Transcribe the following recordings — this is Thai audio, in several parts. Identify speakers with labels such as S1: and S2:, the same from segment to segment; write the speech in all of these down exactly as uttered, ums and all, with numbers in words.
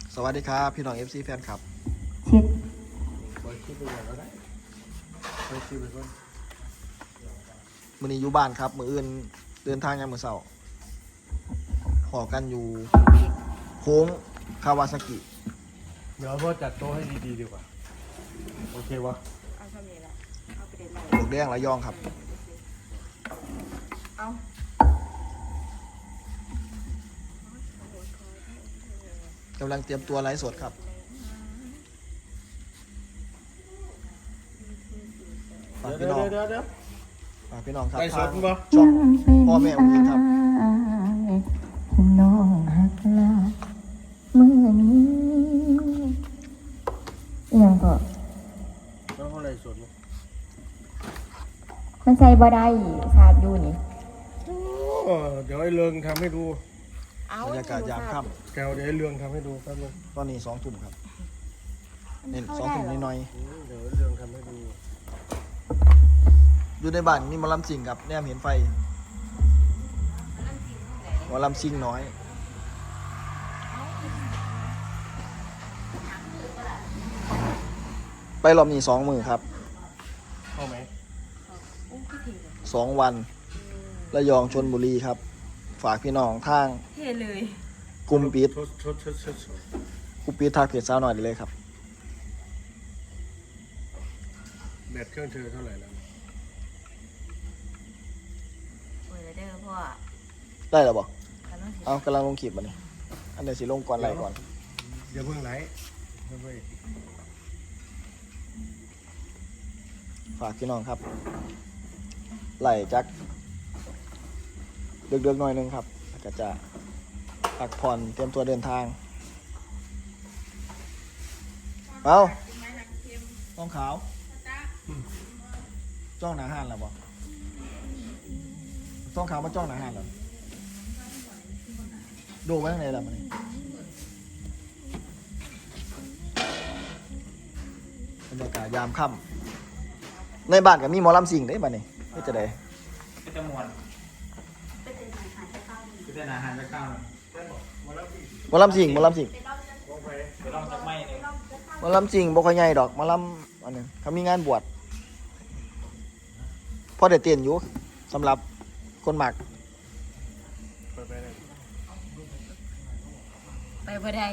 S1: สวัสดีครับพี่น้อง เอฟ ซี แฟนครับ
S2: เช็ด
S3: บอยคิดไปอย่างก็ได้บอยคิดไปก่อน
S1: มื้อนี้อยู่บ้านครับมื้ออื่นเดินทางยามมื้อเช้าขอกันอยู่โค้งคาวาซากิ
S3: เดี๋ยวพ่อจัดโต๊ะให้ดีๆดีกว่าโอเควะ
S2: เอาเท่านี้แหละเอาไปเด็ดใหม่
S1: ปลวกแดงระยองครับ
S2: เอา
S1: กำลังเตรียมตัวไลฟ์สดครับฝาก
S3: เดี๋
S1: พี่
S3: ยว
S1: น้อง
S3: เดี๋ยวเดี๋ยว
S1: ฝากพี่น้องครับ
S3: ไลฟ์ส
S1: ทา
S3: ด
S1: ง
S3: บ่
S1: ช่องพ่อแม่อุ้งอิงครับ
S2: น้องหักลาเมื่อนี้ยังก็
S3: แล้วเขาไลฟ์สดมั้ย
S2: มันใส่บ่ได้ชาดอยู่นี่
S3: โอ้เดี๋ยวไอ้เรืองทำให้ดู
S1: บรรยากาศยามค่
S3: แกวเดี๋ยวไอ้เรืองทำให้ดูแป๊บนึง
S1: ำตอนนี้สองทุ่มครับเน้นสองทุ่มนิดหน่อย
S3: อืมเดี๋ยวไอ้เรืองทำให้ดู
S1: ๆอยู่ในบ้านมีหมอลำซิงครับแนมเห็นไฟหมอลำซิงน้อยไปรอบนี้สองมือครับ
S3: เข้าไหม
S1: สองวันระยองชลบุรีครับ ฝากพี่น้องทาง
S2: เท่เลย
S1: กลุ่มปิด
S3: ชดชดชดชดชด
S1: กลุ่มปิดทักเพจสาวหน่อยได้เลยครับ
S3: แบตเครื่องเธอเท่าไหร่แล้ว
S2: เปิดเด้อพ่อ
S1: ได้แล้วบอก
S2: กำลังสิ
S1: เอากำลังลงคลิปมานี่อันเดี๋ยวสิลงก่อนไลฟ์ก่อน
S3: อย่าเพิ่งไหลเดี๋ยวไป
S1: ฝากพี่น้องครับไล่จักเดือกๆหน่อยนึงครับแล้วก็จะพักผ่อนเตรียมตัวเดินทางเอาต้องขาวจ้องหนาหันแล้วบอกต้องขาวมาจ้องหนาหันแล้วดูไว้ข้างในแล้วมันนี่บรรยากาศยามค่ำในบ้านก็มีหมอลำสิงได้บ้านนี่ไม่จะได้
S4: ก็จะมวนก็จะอาหารจะข้าว
S1: หมอลำสิงหมอลำสิง
S4: เดี๋ยวลองจักไม้เลย
S1: หมอลำสิงบ่ค่อยใหญ่ดอกหมอลำอันนึงเขามีงานบวชพอได้เตียนอยู่สำหรับคนหมัก
S3: ไปไปเลย
S2: ไปบ่ได้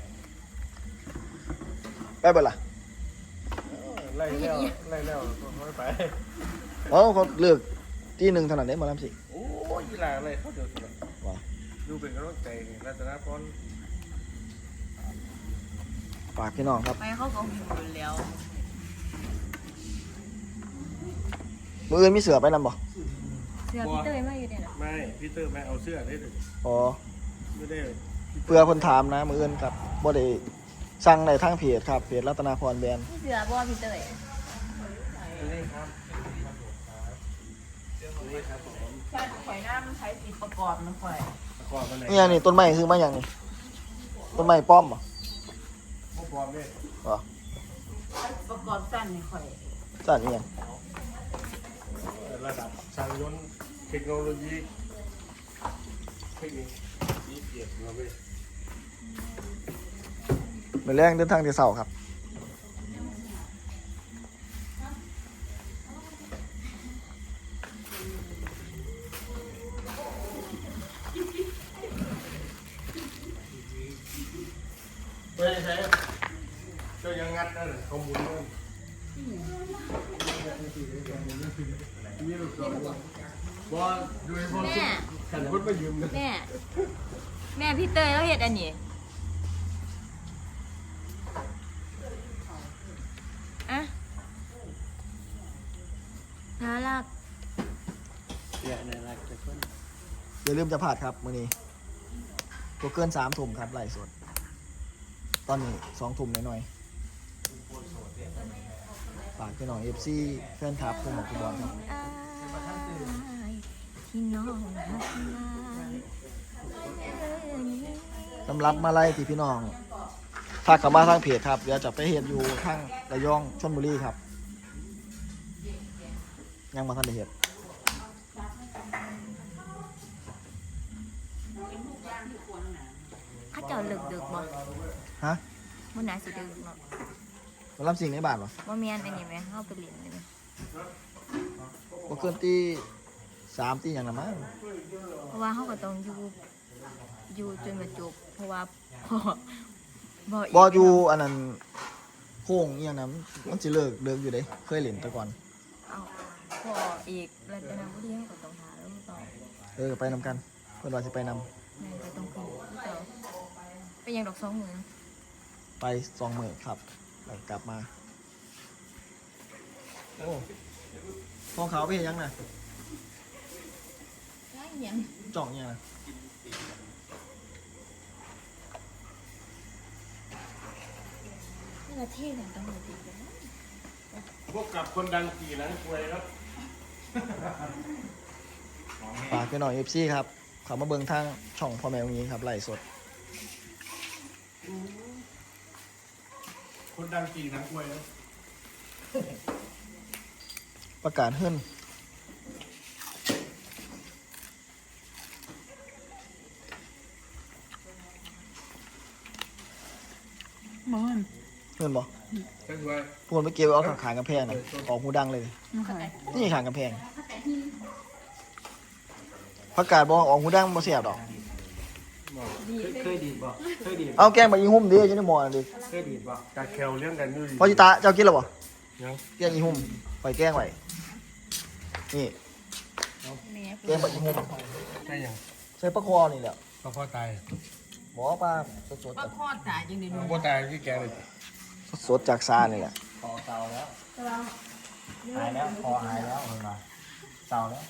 S1: ไปเบ่ล่ะ
S3: ไล่แล้วไล่แล้วไม่ไป
S1: เอ้าเขาเลือกที่หนึ่งเท่านั้นเด้หมอลำสิง
S3: โอ้ยยีหลาอะไรเขาเดี๋ยวสิ
S1: ว้า
S3: ดูเป็นกำลังใจนี่รัตนพร
S1: ฝากพี่น้องครับ
S2: ไปเขาก็หิวแล้ว
S1: มืออื่นมีเสือไปนำบ่
S2: เสื้อพี่เต้ยมาอยู่เนี่ยนะ
S3: ไม่พี่เตอร์ไม่เอาเสื้อได้เลย
S1: อ๋อ
S3: ไม่ได้
S1: เพื่อคนถามนะมืออื่นครับบ่ได้สั่งในทางเพจครับเพจรัตนาพรแบรนด์
S2: เสื้อบ่พี่เต้ย
S3: นี่ครับนี่ครับผม
S2: ใช่ข่อยหน้ามันใช้สีประกอบนะข่อย
S3: ตะกอนมาไหน
S1: นี่ยังนี่ต้นไม้ซื้อมาอย่างนี่ต้นไม้ป้อมบ่
S3: พวกปลอมเนี่ย
S1: อ๋อ
S2: ประกอบสั้นนี่ข่อย
S1: สั่นอีหยัง
S3: ระดับช่างยนต์เทคโนโลยีเทคนิคนี่เกียรติเราไป
S1: มื้อแรงเดินทางแต่เช้าครับ
S3: เฮ้ยใช่เจ้ายังงัดนั่นข้อมูลนั่นนี่ลูกสาวบอลดูไอ้บอลขันพุทธมายืมนะ
S2: แม่แม่พี่เต้ยแล้วเฮ็ดอันนี้อะน่ารัก
S3: เนี่ยในรักจะคน
S1: อย่าลืมจะพลาดครับมื้อนี้ตัวเกินสามทุ่มครับไลฟ์สดตอนนี้สองทุ่มหน่อยๆฝากพี่น้อง เอฟ ซี แฟนคลับผู้หมกผู้บอลครับ
S2: อายที่น้องหักลาย
S1: สำหรับมาไล่ที่พี่น้องถ้ากลับมาทางเพจครับเดี๋ยวจะไปเห็นอยู่ทางระยองชลบุรีครับ ยังมาทันได้เห็น
S2: อาเจ้าเลิกดึกบ่
S1: ฮะ
S2: มื้อไหนสิดึกเนาะ
S1: มารับสิ่งในบ้านวะ
S2: บ่แม่นอันนี้แม่เฮาไปเล่นนี่แม่
S1: บ่เกินตีสามตีอย่างละมั้ง
S2: เพราะว่าเฮาก็ต้องอยู่อยู่จนกระจบเพราะว่าพ่อบ่ก
S1: บ่อยู่อันนั้นโค้งอหย่างนั้นมันสิเลิกเลิกอยู่เด้เคยเล่นแต่ก่อน
S2: เอาพ่ออีกรัตนบุรีเฮาก็ต้องหาแล้วต่อ
S1: เออไปนำกันเพิ่นว่าสิไปนำ
S2: แม่ก็ต้องขึ้นต่อไปยังดอกสองหมื่น
S1: ไปสองมื้อครับแล้วกลับมาโอ้ทองขาวไปเฮ็ดหยังน่ะ
S2: ได้ยัง
S1: จ่องอิหยังน่ะ
S2: นี่ละเท่กันต้องมาดีกัน
S3: พวกกับคนดังกี่หนังควยครับ
S1: ฝากพี่น้อง เอฟ ซี ครับเข้ามาเบิ่งทางช่องพ่อแม่องค์หญิงครับไลฟ์สด
S3: คนดังกี่หนังควยครับ
S1: ประกาศเฮิรน
S5: มัน
S1: เฮิรนบ่
S3: ก็คือว่า
S1: พวกมันไปเก็บไว้เอาข้างๆกำแพงน่ะออกหูดังเลย
S5: ไม่เคย
S1: นี่ข้างกำแพงประกาศบ่ออกหูดังบ่เสียบดอก
S4: เคยดีดบ่เคยดีด
S1: เอาแกงมาอีหุ่มดิจะได้หมอดิ
S4: เคยดีดบ่
S3: ตาแควเลี้ยงกันอยู่ดี
S1: พอจิตาเจ้ากินแล้วบ่
S3: ยัง
S1: แกงอีหุ่มไปแกงไว้นี่
S2: แม่
S1: แกงแบบอีหุ่ม
S3: ใช่ยัง
S1: ใส่ปลาคอนี่แหละ
S3: ก็พ่อตาย
S1: บ่ปลาสดๆจาก
S2: พ่อตายจังได๋หนู
S3: พ่อตายที่แกเลย
S1: สดๆจากซานี่แหละ
S4: คอเตาแล้วหายแล้วคอหายแล้วเห็นมาเตาแล้ว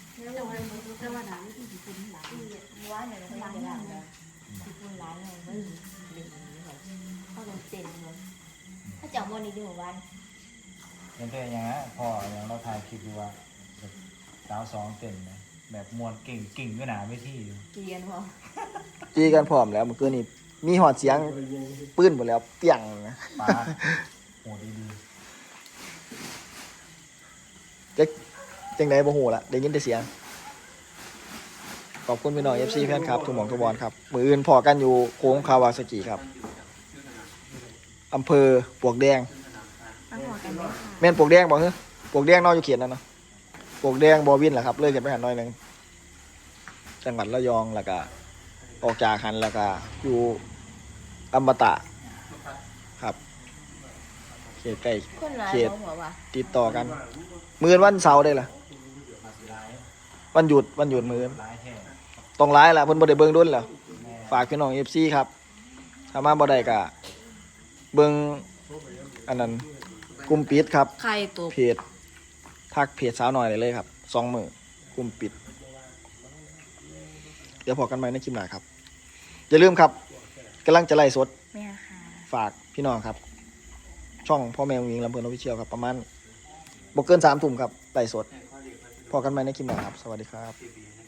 S2: ว่าเนี่ยเราไม่ได้แล้วสิคุณหลายเลยบ่เล่นนี่แบบเขาต้องเต้นเลยถ้าเจ้าบ่นี่ดูวัน
S4: ยังเป็นอย่างนั้นพออย่างเราถ่ายคลิปดูว่าสาวสองเต็มนะแบบมวนเก่งกิ่งก็หนาไม่ที่อยู่
S2: เกียนพอ
S1: จีกันพร้อมแล้วเมื่อคืนนี้มีหอดเสียงปืนหมดแล้วเปี้ยงนะ
S4: ปลาโหดีดี
S1: จักจังไดบ่ฮู้ละได้ยินแต่เสียงขอบคุณพี่น้อง เอฟ ซี แฟนครับทุกหม่องทุกบอลครับมื้ออื่นพอกันอยู่โค้งคาวาซากิครับอำเภอปลวกแดง
S2: ตั้งหัวกันเลยค่ะ
S1: แม่นปลวกแดงบ่ฮะปลวกแดงนอกอยู่เขตนั่นเนาะปลวกแดงบ่วินแหละครับเลยกันไปหันหน่อยหนึงจังหวัดระยองแล้วก็ออกจากหันแล้วก็อยู่อมตะครับเขตใกล้
S2: คนหลาย
S1: เขต
S2: บ่หัวว่ะ
S1: ติดต่อกันมื้อวันเสาร์ได้ล่ะ
S4: มาสีร้าย
S1: วันหยุดวันหยุดมื้อ
S4: ร้ายแท้
S1: ต้องร้ายล่ะเพิ่นบ่ได้เบิ่งดุลแล้วฝากพี่น้อง เอฟ ซี ครับถ้ามาบ่ได้ก็เบิ่งอันนั้นกลุ่มปิดครับ
S2: ใครตัว
S1: เพจทักเพจสาวหน่อยได้เลยครับสองมื้อกลุ่มปิด เดี๋ยวพอกันใหม่ในคลิปหน้าครับอย่าลืมครับกำลังจะไล่สด
S2: แม่ค่ะ
S1: ฝากพี่น้องครับ ช่องพ่อแม่องค์หญิงลำเพลินออฟฟิเชียลครับประมาณบ่เกินสามทุ่มครับไล่สดพอกันใหม่ในคลิปหน้าครับสวัสดีครับ